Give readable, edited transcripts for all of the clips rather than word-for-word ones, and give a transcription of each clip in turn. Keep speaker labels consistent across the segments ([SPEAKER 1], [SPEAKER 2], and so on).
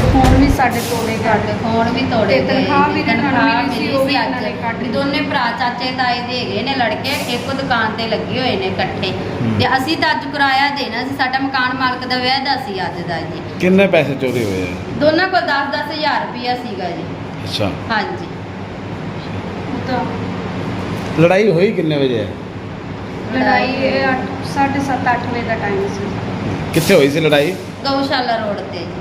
[SPEAKER 1] Phone ਵੀ ਸਾਡੇ ਤੋੜੇ ਗਏ,
[SPEAKER 2] ਫੋਨ ਵੀ ਤੋੜੇ
[SPEAKER 1] ਤੇ ਤਨਖਾਹ ਵੀ
[SPEAKER 2] ਤਨਖਾਹ
[SPEAKER 1] ਮਿਲੀ ਸੀ, ਉਹ ਵੀ ਇਹਨਾਂ
[SPEAKER 2] ਅੱਜ
[SPEAKER 1] ਨੇ ਕੱਟ
[SPEAKER 2] ਵੀ ਦੋਨੇ ਭਰਾ ਚਾਚੇ ਤਾਏ ਦੇ ਹੈਗੇ ਨੇ ਲੜਕੇ, ਇੱਕੋ ਦੁਕਾਨ ਤੇ ਲੱਗੇ ਹੋਏ ਨੇ ਇਕੱਠੇ। ਤੇ ਅਸੀਂ ਤਾਂ ਅੱਜ ਕਿਰਾਇਆ ਦੇਣਾ ਸੀ, ਸਾਡਾ ਮਕਾਨ ਮਾਲਕ ਦਾ ਵਾਅਦਾ ਸੀ ਅੱਜ ਦਾ ਜੀ।
[SPEAKER 3] ਕਿੰਨੇ ਪੈਸੇ ਚੋਰੀ ਹੋਏ ਆ?
[SPEAKER 2] ਦੋਨਾਂ ਕੋਲ 10-10 ਹਜ਼ਾਰ ਰੁਪਇਆ ਸੀਗਾ ਜੀ।
[SPEAKER 3] ਅੱਛਾ,
[SPEAKER 2] ਹਾਂਜੀ।
[SPEAKER 1] ਉਹ ਤਾਂ
[SPEAKER 3] ਲੜਾਈ ਹੋਈ ਕਿੰਨੇ ਵਜੇ ਹੈ?
[SPEAKER 1] ਲੜਾਈ 7:30-8 ਵਜੇ ਦਾ ਟਾਈਮ ਸੀ।
[SPEAKER 3] ਕਿੱਥੇ ਹੋਈ ਸੀ ਲੜਾਈ?
[SPEAKER 2] ਗਊਸ਼ਾਲਾ ਰੋਡ ਤੇ ਜੀ।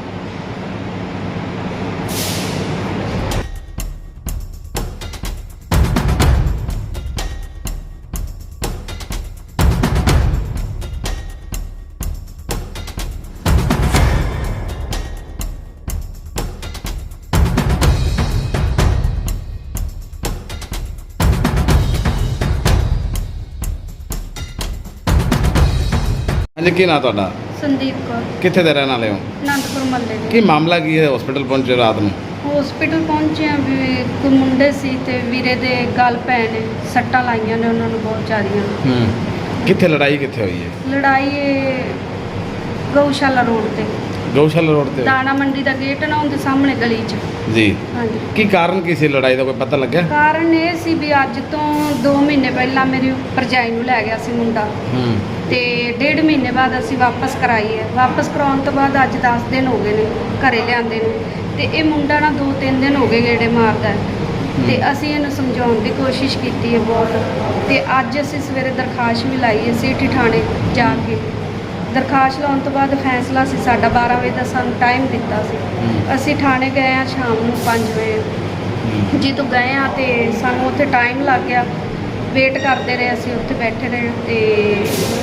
[SPEAKER 3] ਹਾਂਜੀ, ਕੀ ਨਾਂ ਤੁਹਾਡਾ?
[SPEAKER 1] ਸੰਦੀਪ ਕੌਰ,
[SPEAKER 3] ਕਿੱਥੇ ਦੇ ਰਹਿਣ ਵਾਲੇ ਹੋ?
[SPEAKER 1] ਅਨੰਦਪੁਰ ਮਹੱਲੇ
[SPEAKER 3] ਕੀ
[SPEAKER 1] ਦੇ।
[SPEAKER 3] ਮਾਮਲਾ ਕੀ ਹੈ? ਹਸਪੀਟਲ ਪਹੁੰਚੇ ਰਾਤ ਨੂੰ?
[SPEAKER 1] ਹਸਪੀਟਲ ਪਹੁੰਚੇ ਆ ਵੀ ਇੱਕ ਮੁੰਡੇ ਸੀ ਤੇ ਵੀਰੇ ਦੇ ਗਲ ਪੈ ਨੇ, ਸੱਟਾਂ ਲਾਈਆਂ ਨੇ ਉਹਨਾਂ ਨੂੰ ਬਹੁਤ ਜ਼ਿਆਦੀਆਂ।
[SPEAKER 3] ਕਿੱਥੇ ਲੜਾਈ ਕਿੱਥੇ ਹੋਈ ਹੈ?
[SPEAKER 1] ਲੜਾਈ ਇਹ ਗਊਸ਼ਾਲਾ ਰੋਡ ਤੇ,
[SPEAKER 3] ਗਊਸ਼ਾਲਾ ਰੋਡ ਤੇ ਹੋਈ?
[SPEAKER 1] ਦਾਣਾ ਮੰਡੀ ਦਾ ਗੇਟ ਨਾ ਉਹਦੇ ਸਾਹਮਣੇ ਗਲੀ 'ਚ।
[SPEAKER 3] ਜੀ।
[SPEAKER 1] ਹਾਂਜੀ।
[SPEAKER 3] ਕੀ ਕਾਰਨ ਕੀ ਸੀ ਲੜਾਈ ਦਾ, ਕੋਈ ਪਤਾ ਲੱਗਿਆ?
[SPEAKER 1] ਕਾਰਨ ਇਹ ਸੀ ਵੀ ਅੱਜ ਤੋਂ 2 ਮਹੀਨੇ ਪਹਿਲਾਂ ਮੇਰੀ ਭਰਜਾਈ ਨੂੰ ਲੈ ਗਿਆ ਸੀ ਮੁੰਡਾ, ਤੇ 1.5 ਮਹੀਨੇ ਬਾਅਦ ਅਸੀਂ ਵਾਪਸ ਕਰਾਈ ਹੈ। ਵਾਪਸ ਕਰਾਉਣ ਤੋਂ ਬਾਅਦ ਅੱਜ 10 ਦਿਨ ਹੋ ਗਏ ਨੇ ਘਰੇ ਲਿਆਂਦੇ ਨੂੰ, ਤੇ ਇਹ ਮੁੰਡਾ ਨਾ 2-3 ਦਿਨ ਹੋ ਗਏ ਗੇੜੇ ਮਾਰਦਾ ਹੈ। ਤੇ ਅਸੀਂ ਇਹਨੂੰ ਸਮਝਾਉਣ ਦੀ ਕੋਸ਼ਿਸ਼ ਕੀਤੀ ਹੈ ਬਹੁਤ, ਤੇ ਅੱਜ ਅਸੀਂ ਸਵੇਰੇ ਦਰਖਾਸਤ ਵੀ ਲਾਈ ਹੈ ਸਿਟੀ ਥਾਣੇ ਜਾ ਕੇ। ਦਰਖਾਸਤ ਲਾਉਣ ਤੋਂ ਬਾਅਦ ਫੈਸਲਾ ਸੀ ਸਾਡਾ 12 ਵਜੇ ਦਾ ਸਾਨੂੰ ਟਾਈਮ ਦਿੱਤਾ ਸੀ। ਅਸੀਂ ਥਾਣੇ ਗਏ ਆ ਸ਼ਾਮ ਨੂੰ 5 ਵਜੇ। ਜਦੋਂ ਗਏ ਆ ਤੇ ਸਾਨੂੰ ਉੱਥੇ ਟਾਈਮ ਲੱਗ ਗਿਆ, ਵੇਟ ਕਰਦੇ ਰਹੇ ਅਸੀਂ ਉੱਥੇ ਬੈਠੇ ਰਹੇ। ਤੇ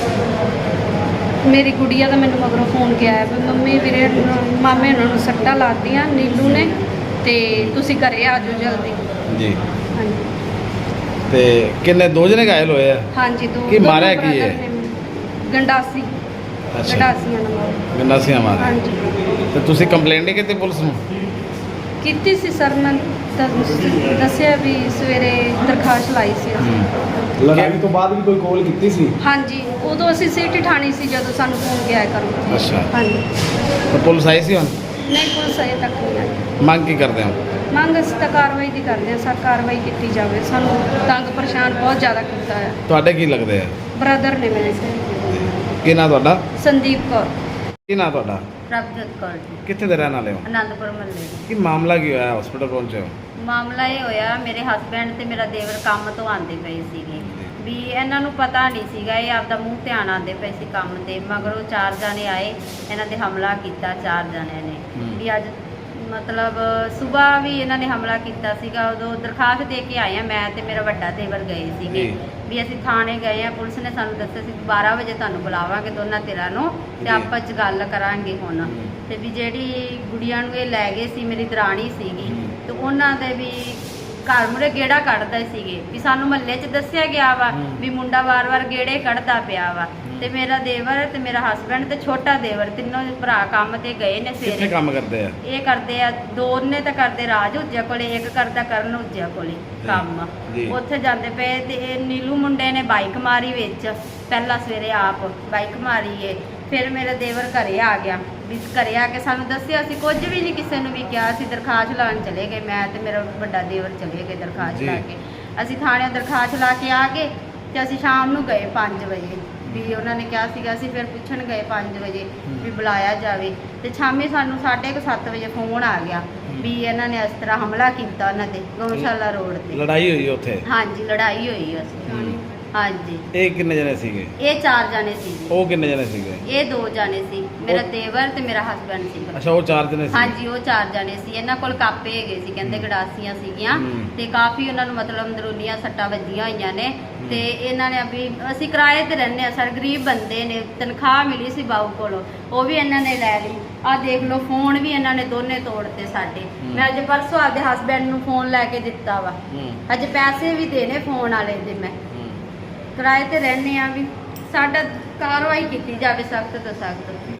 [SPEAKER 1] ਮੇਰੀ ਗੁੜੀਆ ਦਾ ਮੈਨੂੰ ਮਗਰੋਂ ਫੋਨ ਗਿਆ ਵੀ ਮੰਮੀ ਵੀਰੇ ਮਾਮੇ ਉਹਨਾਂ ਨੂੰ ਸੱਟਾਂ ਲਾਤੀਆਂ ਨੀਲੂ ਨੇ, ਤੇ ਤੁਸੀਂ ਘਰੇ ਆ ਜਾਓ ਜਲਦੀ।
[SPEAKER 3] ਜੀ।
[SPEAKER 1] ਹਾਂਜੀ।
[SPEAKER 3] ਤੇ ਕਿੰਨੇ, 2 ਜਣੇ ਘਾਇਲ ਹੋਏ ਆ?
[SPEAKER 1] ਹਾਂਜੀ।
[SPEAKER 3] ਕੀ ਮਾਰਿਆ ਕੀ ਹੈ?
[SPEAKER 1] ਗੰਡਾਸੀ, ਗੰਡਾਸੀਆਂ ਨਾਲ ਮਾਰਿਆ।
[SPEAKER 3] ਗੰਡਾਸੀਆਂ ਮਾਰਿਆ?
[SPEAKER 1] ਹਾਂਜੀ।
[SPEAKER 3] ਤੇ ਤੁਸੀਂ ਕੰਪਲੇਂਟ ਨਹੀਂ ਕੀਤੀ ਪੁਲਿਸ ਨੂੰ?
[SPEAKER 1] ਕੀਤੀ ਸੀ ਸਰ, ਮੈਂ ਦੱਸਿਆ ਵੀ ਸਵੇਰੇ ਦਰਖਾਸਤ ਲਾਈ ਸੀ ਅਸੀਂ।
[SPEAKER 4] ਲੜਾਈ ਤੋਂ ਬਾਅਦ ਵੀ ਕੋਈ ਕਾਲ ਕੀਤੀ ਸੀ?
[SPEAKER 1] ਹਾਂਜੀ, ਉਦੋਂ ਅਸੀਂ ਸਿਟੀ ਠਾਣੀ ਸੀ ਜਦੋਂ ਸਾਨੂੰ ਫੋਨ ਗਿਆ ਕਰੋ।
[SPEAKER 3] ਅੱਛਾ।
[SPEAKER 1] ਹਾਂਜੀ।
[SPEAKER 3] ਤਾਂ ਪੁਲਿਸ ਆਈ ਸੀ ਹੁਣ?
[SPEAKER 1] ਨਹੀਂ, ਪੁਲਿਸ ਅਜੇ ਤੱਕ ਨਹੀਂ ਆਈ।
[SPEAKER 3] ਮੰਗ ਕੀ ਕਰਦੇ ਹੋ?
[SPEAKER 1] ਮੰਗ ਅਸੀਂ ਤਾਂ ਕਾਰਵਾਈ ਦੀ ਕਰਦੇ ਹਾਂ ਸਰ, ਕਾਰਵਾਈ ਕੀਤੀ ਜਾਵੇ। ਸਾਨੂੰ ਤੰਗ ਪਰੇਸ਼ਾਨ ਬਹੁਤ ਜ਼ਿਆਦਾ ਕੀਤਾ ਹੈ।
[SPEAKER 3] ਤੁਹਾਡੇ ਕੀ ਲੱਗਦੇ ਆ?
[SPEAKER 1] ਬ੍ਰਦਰ ਨੇ ਮੇਰੇ ਸੇ।
[SPEAKER 3] ਕੀ ਨਾਂ ਤੁਹਾਡਾ?
[SPEAKER 1] ਸੰਦੀਪ ਕੌਰ।
[SPEAKER 3] ਕੀ ਨਾਂ ਤੁਹਾਡਾ?
[SPEAKER 2] ਪ੍ਰਭਜੋਤ ਕੌਰ ਜੀ,
[SPEAKER 3] ਕਿੱਥੇ ਦੇ ਰਹਿਣ ਵਾਲੇ ਹੋ?
[SPEAKER 2] ਅਨੰਦਪੁਰ ਮਹੱਲੇ।
[SPEAKER 3] ਕੀ ਮਾਮਲਾ ਕੀ ਹੋਇਆ? ਹਸਪੀਟਲ ਪਹੁੰਚੇ ਹੋ?
[SPEAKER 2] ਮਾਮਲਾ ਇਹ ਹੋਇਆ, ਮੇਰੇ ਹਸਬੈਂਡ ਤੇ ਮੇਰਾ ਦੇਵਰ ਕੰਮ ਤੋਂ ਆਉਂਦੇ ਪਏ ਸੀਗੇ, ਵੀ ਇਹਨਾਂ ਨੂੰ ਪਤਾ ਨਹੀਂ ਸੀਗਾ, ਇਹ ਆਪਦਾ ਮੂੰਹ ਧਿਆਨ ਆਉਂਦੇ ਪਏ ਸੀ ਕੰਮ ਤੇ। ਮਗਰੋਂ 4 ਜਾਣੇ ਆਏ, ਇਹਨਾਂ ਤੇ ਹਮਲਾ ਕੀਤਾ 4 ਜਾਣਿਆਂ ਨੇ। ਵੀ ਅੱਜ ਮਤਲਬ ਸਵੇਰ ਵੀ ਇਹਨਾਂ ਨੇ ਹਮਲਾ ਕੀਤਾ ਸੀਗਾ। ਉਦੋਂ ਦਰਖਾਸਤ ਦੇ ਕੇ ਆਏ ਆ, ਮੈਂ ਤੇ ਮੇਰਾ ਵੱਡਾ ਦੇਵਰ ਗਏ ਸੀਗੇ। ਵੀ ਅਸੀਂ ਥਾਣੇ ਗਏ ਆ, ਪੁਲਿਸ ਨੇ ਸਾਨੂੰ ਦੱਸਿਆ ਸੀ 12 ਵਜੇ ਤੁਹਾਨੂੰ ਬੁਲਾਵਾਂਗੇ ਦੋਨਾਂ ਧਿਰਾਂ ਨੂੰ, ਤੇ ਆਪਾਂ 'ਚ ਗੱਲ ਕਰਾਂਗੇ ਹੁਣ। ਤੇ ਵੀ ਜਿਹੜੀ ਗੁੜੀਆਂ ਨੂੰ ਇਹ ਲੈ ਗਏ ਸੀ, ਮੇਰੀ ਦਰਾਣੀ ਸੀਗੀ, ਤੇ ਉਹਨਾਂ ਦੇ ਵੀ ਘਰ ਮੁਰੇ ਗੇੜਾ ਕੱਢਦੇ ਸੀਗੇ। ਵੀ ਸਾਨੂੰ ਮਹੱਲੇ 'ਚ ਦੱਸਿਆ ਗਿਆ ਵਾ ਵੀ ਮੁੰਡਾ ਵਾਰ-ਵਾਰ ਗੇੜੇ ਕੱਢਦਾ ਪਿਆ ਵਾ। ਤੇ ਮੇਰਾ ਦੇਵਰ ਤੇ ਮੇਰਾ ਹਸਬੈਂਡ ਤੇ ਛੋਟਾ ਦੇਵਰ, ਤਿੰਨੋਂ ਭਰਾ ਕੰਮ ਤੇ ਗਏ ਨੇ
[SPEAKER 3] ਕਿੱਥੇ
[SPEAKER 2] ਸਵੇਰੇ।
[SPEAKER 3] ਕੰਮ ਕਰਦੇ ਆ?
[SPEAKER 2] ਇਹ ਕਰਦੇ ਆ, 2 ਨੇ ਤਾਂ ਕਰਦੇ ਰਾਜ ਹੁਜਿਆ ਕੋਲੇ, ਇੱਕ ਕਰਦਾ ਕਰਨ ਹੁਜਿਆ ਕੋਲੇ ਕੰਮ।
[SPEAKER 3] ਜੀ।
[SPEAKER 2] ਉੱਥੇ ਜਾਂਦੇ ਪਏ ਤੇ ਇਹ ਨੀਲੂ ਮੁੰਡੇ ਨੇ ਬਾਈਕ ਮਾਰੀ ਵਿੱਚ, ਪਹਿਲਾਂ ਸਵੇਰੇ ਆਪ ਬਾਈਕ ਮਾਰੀ ਏ। ਫਿਰ ਮੇਰਾ ਦੇਵਰ ਘਰੇ ਆ ਗਿਆ, ਵੀ ਘਰੇ ਆ ਕੇ ਸਾਨੂੰ ਦੱਸਿਆ, ਅਸੀਂ ਕੁਝ ਵੀ ਨਹੀਂ ਕਿਸੇ ਨੂੰ ਵੀ ਕਿਹਾ। ਅਸੀਂ ਦਰਖਾਸਤ ਲਾਉਣ ਚਲੇ ਗਏ, ਮੈਂ ਤੇ ਮੇਰਾ ਵੱਡਾ ਦੇਵਰ ਚਲੇ ਗਏ ਦਰਖਾਸਤ ਲਾ ਕੇ। ਅਸੀਂ ਥਾਣੇ ਦਰਖਾਸਤ ਲਾ ਕੇ ਆ ਗਏ, ਤੇ ਅਸੀਂ ਸ਼ਾਮ ਨੂੰ ਗਏ 5 ਵਜੇ, ਵੀ ਉਹਨਾਂ ਨੇ ਕਿਹਾ ਸੀਗਾ। ਅਸੀਂ ਫਿਰ ਪੁੱਛਣ ਗਏ 5 ਵਜੇ ਵੀ ਬੁਲਾਇਆ ਜਾਵੇ, ਤੇ ਸ਼ਾਮੀ ਸਾਨੂੰ 7:30 ਵਜੇ ਫੋਨ ਆ ਗਿਆ ਵੀ ਇਹਨਾਂ ਨੇ ਇਸ ਤਰ੍ਹਾਂ ਹਮਲਾ ਕੀਤਾ ਉਹਨਾਂ ਤੇ ਗਊਸ਼ਾਲਾ ਰੋਡ ਤੇ।
[SPEAKER 3] ਲੜਾਈ ਹੋਈ ਉੱਥੇ?
[SPEAKER 2] ਹਾਂਜੀ, ਲੜਾਈ ਹੋਈ ਅਸੀਂ। ਹਾਂਜੀ।
[SPEAKER 3] ਇਹ ਕਿੰਨੇ ਜਣੇ ਸੀਗੇ?
[SPEAKER 2] ਇਹ 4 ਜਾਣੇ ਸੀ।
[SPEAKER 3] ਉਹ ਕਿੰਨੇ ਜਣੇ ਸੀਗੇ?
[SPEAKER 2] ਇਹ 2 ਜਾਣੇ ਸੀ, ਮੇਰਾ ਦੇਵਰ ਤੇ ਮੇਰਾ ਹਸਬੈਂਡ ਸੀਗਾ।
[SPEAKER 3] ਅੱਛਾ, ਉਹ 4 ਜਣੇ ਸੀ?
[SPEAKER 2] ਹਾਂਜੀ, ਉਹ 4 ਜਾਣੇ ਸੀ। ਇਹਨਾਂ ਕੋਲ ਕਾਪੇ ਹੈਗੇ ਸੀ, ਕਹਿੰਦੇ ਗੜਾਸੀਆਂ ਸੀਗੀਆਂ, ਤੇ ਕਾਫੀ ਉਹਨਾਂ ਨੂੰ ਮਤਲਬ ਅੰਦਰੂਨੀਆਂ ਸੱਟਾਂ ਵੱਜੀਆਂ ਹੋਈਆਂ ਨੇ। ਤੇ ਇਹਨਾਂ ਨੇ ਵੀ, ਅਸੀਂ ਕਿਰਾਏ ਤੇ ਰਹਿੰਦੇ ਆ ਸਰ, ਗਰੀਬ ਬੰਦੇ ਨੇ, ਤਨਖਾਹ ਮਿਲੀ ਸੀ ਬਾਊ ਕੋਲੋਂ, ਉਹ ਵੀ ਇਹਨਾਂ ਨੇ ਲੈ ਲਈ। ਆਹ ਦੇਖ ਲਓ, ਫੋਨ ਵੀ ਇਹਨਾਂ ਨੇ ਦੋਨੇ ਤੋੜਤੇ ਸਾਡੇ। ਮੈਂ ਅੱਜ ਪਰਸੋਂ ਆਪਦੇ ਹਸਬੈਂਡ ਨੂੰ ਫੋਨ ਲੈ ਕੇ ਦਿੱਤਾ ਵਾ, ਅੱਜ ਪੈਸੇ ਵੀ ਦੇਣੇ ਫੋਨ ਵਾਲੇ ਦੇ। ਮੈਂ ਕਿਰਾਏ ਤੇ ਰਹਿੰਦੇ ਆ, ਵੀ ਸਾਡਾ ਕਾਰਵਾਈ ਕੀਤੀ ਜਾਵੇ ਸਖਤ ਤੋਂ ਸਖਤ।